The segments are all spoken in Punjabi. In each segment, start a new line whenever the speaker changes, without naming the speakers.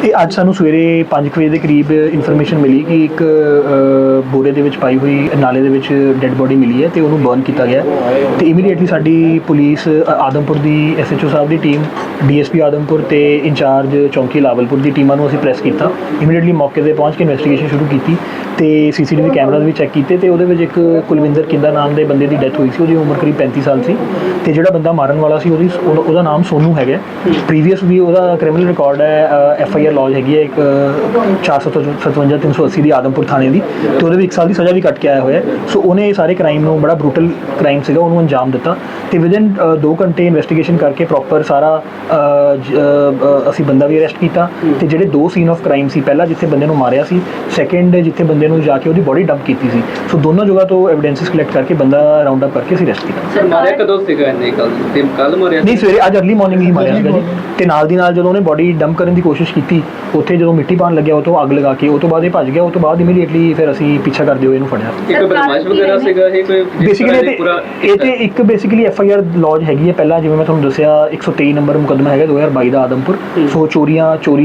ਇਹ ਅੱਜ ਸਾਨੂੰ ਸਵੇਰੇ 5 ਵਜੇ ਦੇ ਕਰੀਬ ਇਨਫੋਰਮੇਸ਼ਨ ਮਿਲੀ ਕਿ ਇੱਕ ਬੋਰੇ ਦੇ ਵਿੱਚ ਪਾਈ ਹੋਈ ਨਾਲੇ ਦੇ ਵਿੱਚ ਡੈੱਡ ਬੋਡੀ ਮਿਲੀ ਹੈ ਤੇ ਉਹਨੂੰ ਬਰਨ ਕੀਤਾ ਗਿਆ ਤੇ ਇਮੀਡੀਏਟਲੀ ਸਾਡੀ ਪੁਲਿਸ ਆਦਮਪੁਰ ਦੀ ਐਸਐਚਓ ਸਾਹਿਬ ਦੀ ਟੀਮ, ਡੀਐਸਪੀ ਆਦਮਪੁਰ ਤੇ ਇੰਚਾਰਜ ਚੌਂਕੀ ਲਾਵਲਪੁਰ ਦੀ ਟੀਮਾਂ ਨੂੰ ਅਸੀਂ ਪ੍ਰੈਸ ਕੀਤਾ। ਇਮੀਡੀਏਟਲੀ ਮੌਕੇ ਤੇ ਪਹੁੰਚ ਕੇ ਇਨਵੈਸਟੀਗੇਸ਼ਨ ਸ਼ੁਰੂ ਕੀਤੀ ਤੇ ਸੀਸੀਟੀਵੀ ਕੈਮਰਾਜ਼ ਵੀ ਚੈੱਕ ਕੀਤੇ ਤੇ ਉਹਦੇ ਵਿੱਚ ਇੱਕ ਕੁਲਵਿੰਦਰ ਕਿੰਦਾ ਨਾਮ ਦੇ ਬੰਦੇ ਦੀ ਡੈਥ ਹੋਈ ਸੀ। ਉਹਦੀ ਉਮਰ ਕਰੀਬ 35 ਸਾਲ ਸੀ ਤੇ ਜਿਹੜਾ ਬੰਦਾ ਮਾਰਨ ਵਾਲਾ ਸੀ ਉਹਦਾ ਨਾਮ ਸੋਨੂ ਹੈਗਾ। ਪ੍ਰੀਵੀਅਸ ਵੀ ਉਹਦਾ ਕ੍ਰਿਮੀਨਲ ਰਿਕਾਰਡ ਹੈ, ਐਫਆਈਆਰ ਲੌਜ ਹੈਗੀ ਹੈ ਇੱਕ 457-380 ਦੀ ਆਦਮਪੁਰ ਥਾਣੇ ਦੀ ਤੇ ਉਹਦੇ ਵੀ 1 ਸਾਲ ਦੀ ਸਜ਼ਾ ਵੀ ਕੱਟ ਕੇ ਆਇਆ ਹੋਇਆ। ਸੋ ਉਹਨੇ ਸਾਰੇ ਕ੍ਰਾਈਮ ਨੂੰ, ਬੜਾ ਬਰੂਟਲ ਕ੍ਰਾਈਮ ਸੀਗਾ, ਉਹਨੂੰ ਅੰਜਾਮ ਦਿੱਤਾ ਤੇ ਵਿਦਿਨ 2 ਘੰਟੇ ਇਨਵੈਸਟੀਗੇਸ਼ਨ ਕਰਕੇ ਪ੍ਰੋਪਰ ਸਾਰਾ ਅਸੀਂ ਬੰਦਾ ਵੀ ਅਰੈਸਟ ਕੀਤਾ ਤੇ ਜਿਹੜੇ 2 ਸੀਨ ਆਫ ਕ੍ਰਾਈਮ ਸੀ, ਪਹਿਲਾ ਜਿੱਥੇ ਬੰਦੇ ਨੂੰ ਮਾਰਿਆ ਸੀ, ਸੈਕੰਡ ਜਿੱਥੇ ਬੰਦੇ ਨੂੰ ਜਾ ਕੇ ਉਹਦੀ ਬੋਡੀ ਡੰਪ ਕੀਤੀ ਸੀ, ਸੋ ਦੋਨੋਂ ਜਗ੍ਹਾ ਤੋਂ ਐਵੀਡੈਂਸਿਸ ਕਲੈਕਟ ਕਰਕੇ ਬੰਦਾ ਰਾਉਂਡ ਅਪ ਕਰਕੇ ਅਸੀਂ ਅਰੈਸਟ ਕੀਤਾ।
ਸਰ ਮਾਰਿਆ ਕਦੋਂ ਸੀਗਾ ਇਹਨੇ? ਕੱਲ ਮਾਰਿਆ
ਨਹੀਂ, ਸਵੇਰੇ ਅੱਜ ਅਰਲੀ ਮਾਰਨਿੰਗ ਹੀ ਮਾਰਿਆ ਸੀਗਾ ਜੀ ਤੇ ਨਾਲ ਦੀ ਨਾਲ ਜਦੋਂ ਉਹਨੇ ਬੋਡੀ ਡੰਪ ਕਰਨ ਦੀ ਕੋਸ਼ਿਸ਼ ਕੀਤੀ, ਉੱਥੇ ਜਦੋਂ ਮਿੱਟੀ ਪਾਣ ਲੱਗਿਆ ਉਹ ਤੋਂ ਅੱਗ ਲਗਾ ਕੇ ਉਹ ਤੋਂ ਬਾਅਦ ਇਹ ਭੱਜ ਗਿਆ। ਉਹ ਤੋਂ ਬਾਅਦ ਇਮੀਡੀਏਟਲੀ ਫਿਰ ਅਸੀਂ ਪਿੱਛਾ ਕਰਦੇ ਹੋਏ ਇਹਨੂੰ ਫੜਿਆ।
ਇੱਕ ਬਦਮਾਸ਼ ਵਗੈਰਾ ਸੀਗਾ ਇਹ ਕੋਈ?
ਬੇਸਿਕਲੀ ਇਹ ਤੇ ਇੱਕ ਬੇਸਿਕਲੀ ਐਫਆਈਆਰ ਲੌਜ ਹੈਗੀ ਹੈ ਪਹਿਲਾਂ, ਜਿਵੇਂ ਮੈਂ ਤੁਹਾਨੂੰ ਦੱਸਿਆ 123 ਨੰਬਰ ਮੁਕੱਦਮਾ ਹੈਗਾ 2022 ਦਾ ਆਦਮਪੁਰ। ਸੋ ਚੋਰੀ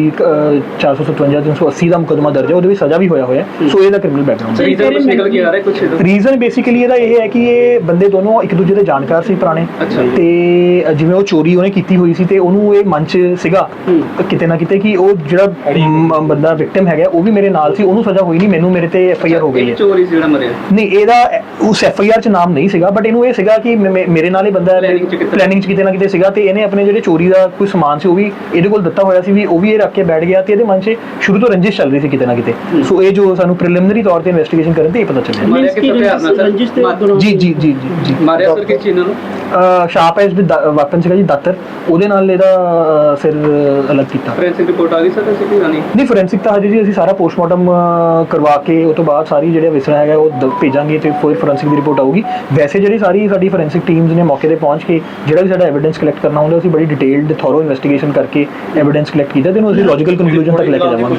457-380 ਦਾ ਮੁਕੱਦਮਾ ਦਰਜ ਹੈ, ਉਹਦੇ ਵਿੱਚ ਸਜ਼ਾ ਵੀ ਹੋਇਆ। ਸੋ ਇਹਦਾ ਕ੍ਰਿਮੀਨਲ ਬੈਕਗ੍ਰਾਉਂਡ
ਰੀਜ਼ਨ ਨਿਕਲ ਕੇ ਆ ਰਿਹਾ ਕੁਝ?
ਰੀਜ਼ਨ ਬੇਸਿਕਲੀ ਇਹਦਾ ਇਹ ਹੈ ਕਿ ਇਹ ਬੰਦੇ ਦੋਨੋਂ ਇੱਕ ਦੂਜੇ ਦੇ ਜਾਣਕਾਰ ਸੀ ਪੁਰਾਣੇ ਤੇ ਜਿਵੇਂ ਉਹ ਚੋਰੀ ਉਹਨੇ ਕੀਤੀ ਹੋਈ ਸੀ ਤੇ ਉਹਨੂੰ ਇਹ ਮਨ 'ਚ ਸੀਗਾ ਕਿਤੇ ਨਾ ਕਿਤੇ ਕਿ ਉਹ ਜਿਹੜਾ ਬੰਦਾ ਵਿਕਟਿਮ ਹੈਗਾ ਉਹ ਵੀ ਮੇਰੇ ਨਾਲ ਸੀ, ਉਹਨੂੰ ਸਜ਼ਾ ਹੋਈ ਨਹੀਂ, ਮੈਨੂੰ ਮੇਰੇ ਤੇ ਐਫਆਈਆਰ ਹੋ ਗਈ ਹੈ।
ਚੋਰੀ ਜਿਹੜਾ ਮਰਿਆ
ਨਹੀਂ, ਇਹਦਾ ਉਸ ਐਫਆਈਆਰ 'ਚ ਨਾਮ ਨਹੀਂ ਸੀਗਾ, ਬਟ ਇਹਨੂੰ ਇਹ ਸੀਗਾ ਕਿ ਮੇਰੇ ਨਾਲ ਇਹ ਬੰਦਾ ਪਲੈਨਿੰਗ 'ਚ ਕਿਤੇ ਨਾ ਕਿਤੇ ਸੀਗਾ ਤੇ ਇਹਨੇ ਆਪਣੇ ਜਿਹੜੇ ਚੋਰੀ ਦਾ ਕੋਈ ਸਮਾਨ ਸੀ ਉਹ ਵੀ ਇਹਦੇ ਕੋਲ ਦਿੱਤਾ ਹੋਇਆ ਸੀ, ਵੀ ਉਹ ਵੀ ਇਹ ਰੱਖ ਕੇ ਬੈਠ ਗਿਆ ਤੇ ਇਹਦੇ ਮਨ 'ਚ ਸ਼ੁਰੂ ਤੋਂ ਰੰਜਿਸ਼ ਚੱਲ ਰਹੀ ਸੀ ਕਿਤੇ ਨਾ ਕਿਤੇ। ਸੋ ਇਹ ਜੋ ਸਾਨੂੰ ਪ੍ਰੀਲਿਮਿਨਰੀ ਤੌਰ ਤੇ ਇਨਵੈਸਟੀਗੇਸ਼ਨ ਕਰਨ ਤੇ ਇਹ ਪਤਾ ਚੱਲਿਆ।
ਮਾਰਿਆ ਕਿਸ ਹਥਿਆਰ ਨਾਲ ਸਰ?
ਜੀ
ਮਾਰਿਆ ਸਰ ਕਿਸ ਚੀਜ਼ ਨਾਲ?
ਸ਼ਾਰਪ ਐਜ ਵੈਪਨ ਸੀਗਾ ਜੀ, ਦਾਤਰ, ਉਹਦੇ ਨਾਲ ਇਹਦਾ ਸਿਰ ਅਲੱਗ ਕੀਤਾ।
ਫੋਰੈਂਸਿਕ ਰਿਪੋਰਟ ਆ ਗਈ ਸਰ? ਅਸੀਂ ਕੀ ਜਾਣੀ?
ਨਹੀਂ, ਫੋਰੈਂਸਿਕ ਤਾਂ ਹਜੇ ਜੀ ਅਸੀਂ ਸਾਰਾ ਪੋਸਟਮਾਰਟਮ ਕਰਵਾ ਕੇ ਉਹ ਤੋਂ ਬਾਅਦ ਸਾਰੀ ਜਿਹੜੇ ਵਿਸਰਾ ਹੈਗਾ ਉਹ ਭੇਜਾਂਗੇ ਤੇ ਫਿਰ ਫੋਰੈਂਸਿਕ ਦੀ ਰਿਪੋਰਟ ਆਊਗੀ। ਵੈਸੇ ਜਿਹੜੀ ਸਾਡੀ ਫੋਰੈਂਸਿਕ ਟੀਮਸ ਨੇ ਮੌਕੇ ਤੇ ਪਹੁੰਚ ਕੇ ਜਿਹੜਾ ਵੀ ਸਾਡਾ ਐਵੀਡੈਂਸ ਕਲੈਕਟ ਕਰਨਾ ਹੁੰਦਾ ਅਸੀਂ ਬੜੀ ਡਿਟੇਲਡ ਥੋਰੋ ਇਨਵੈਸਟੀਗੇਸ਼ਨ ਕਰਕੇ ਐਵੀਡੈਂਸ ਕਲੈਕਟ ਕੀਤਾ ਤੇ ਇਹਨੂੰ ਅਸੀਂ ਲੌਜੀਕਲ ਕਨਕਲੂਜਨ ਤੱਕ ਲੈ ਕੇ ਜਾਵਾਂਗੇ।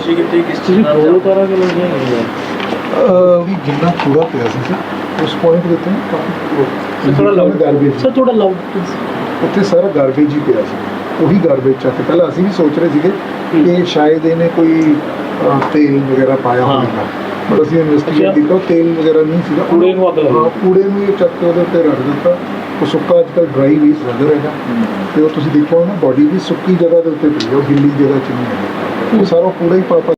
ਜਿੰਨਾ ਕੂੜਾ ਪਿਆ ਸੀ ਉਸ ਪੁਆਇੰਟ ਦੇ ਉੱਤੇ ਕਾਫੀ
ਥੋੜਾ ਲਾਊਡ
ਗਾਰਬੇਜ,
ਸਰ ਥੋੜਾ ਲਾਊਡ
ਉੱਥੇ ਸਾਰਾ ਗਾਰਬੇਜ ਹੀ ਪਿਆ ਸੀ। ਉਹੀ ਗਾਰਬੇਜ ਚੱਕ ਕੇ ਪਹਿਲਾਂ ਅਸੀਂ ਵੀ ਸੋਚ ਰਹੇ ਸੀਗੇ ਕਿ ਸ਼ਾਇਦ ਇਹਨੇ ਕੋਈ ਤੇਲ ਵਗੈਰਾ ਪਾਇਆ ਹੋਵੇਗਾ, ਪਰ ਅਸੀਂ ਇਨਵੈਸਟੀਗੇਟ ਕੀਤਾ ਉਹ ਤੇਲ ਵਗੈਰਾ ਨਹੀਂ ਸੀਗਾ।
ਕੂੜੇ ਨੂੰ ਅੱਗ ਲੱਗੀ,
ਕੂੜੇ ਨੂੰ ਇਹ ਚੱਕ ਕੇ ਉਹਦੇ ਉੱਤੇ ਰੱਖ ਦਿੱਤਾ। ਉਹ ਸੁੱਕਾ ਅੱਜ ਕੱਲ੍ਹ ਡਰਾਈ ਵੀ ਸਿਲੰਡਰ ਹੈਗਾ ਤੇ ਉਹ ਤੁਸੀਂ ਦੇਖਿਆ ਹੋਣਾ ਬੋਡੀ ਵੀ ਸੁੱਕੀ ਜਗ੍ਹਾ ਦੇ ਉੱਤੇ ਪਈ ਹੈ, ਉਹ ਗਿੱਲੀ ਜਗ੍ਹਾ 'ਚ ਨਹੀਂ ਹੈ। ਉਹ ਸਾਰਾ ਕੂੜਾ ਹੀ ਪਾ